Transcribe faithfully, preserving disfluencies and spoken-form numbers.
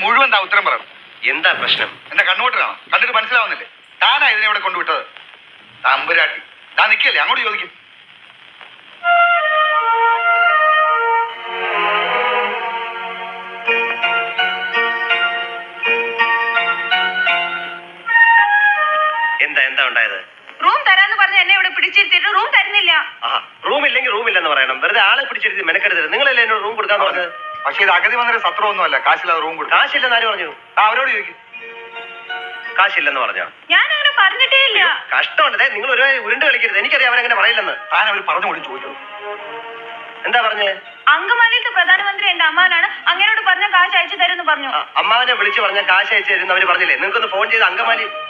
മുഴുവൻ താ ഉത്തരം പറയണം. എന്താ പ്രശ്നം? എന്റെ കണ്ണുകൊണ്ട് കാണാം, കണ്ടിട്ട് മനസ്സിലാവുന്നില്ലേ? താനാ ഇതിനെ ഇവിടെ കൊണ്ടുവിട്ടത്. തമ്പുരാട്ടി താൻ നിൽക്കല്ലേ, അങ്ങോട്ട് ചോദിക്കും. എന്താ എന്താ ഉണ്ടായത്? റൂം തരാന്ന് പറഞ്ഞ എന്നെ ഇവിടെ പിടിച്ചിരുത്തിട്ട് റൂം തരുന്നില്ല. റൂം ഇല്ലെങ്കിൽ റൂം ഇല്ലെന്ന് പറയണം. വെറുതെ ആളെ പിടിച്ചിരുത്തി മെനക്കെടുത്തത്. നിങ്ങളല്ലേ എന്നോട് റൂം കൊടുക്കാന്ന് പറഞ്ഞത്? പക്ഷേ ഇത് അഗതി വന്നൊരു സത്രമൊന്നുമല്ല. കാശില്ലാതെ റൂം കൊടുക്കും. കാശില്ലെന്ന് ആര് പറഞ്ഞു? ആ അവരോട് ചോദിക്കും. കാശില്ലെന്ന് പറഞ്ഞോ? ഞാൻ അങ്ങനെ പറഞ്ഞിട്ടേ ഇല്ല. കഷ്ടമുണ്ട്. നിങ്ങൾ ഒരു ഉരുണ്ട് കളിക്കരുത്. എനിക്കറിയാം അവരങ്ങനെ പറയില്ലെന്ന്. താൻ അവർ പറഞ്ഞു കൂടി ചോദിച്ചു. എന്താ പറഞ്ഞേ? അങ്കമാലിയിലത്തെ പ്രധാനമന്ത്രി എന്റെ അമ്മാനാണ്, അങ്ങനോട് പറഞ്ഞ കാശ് അയച്ചു തരുമെന്ന് പറഞ്ഞു. അമ്മാവനെ വിളിച്ചു പറഞ്ഞ കാശ് അയച്ചു തരുന്ന അവര് പറഞ്ഞില്ലേ? നിങ്ങൾക്കൊന്ന് ഫോൺ ചെയ്ത് അങ്കമാലി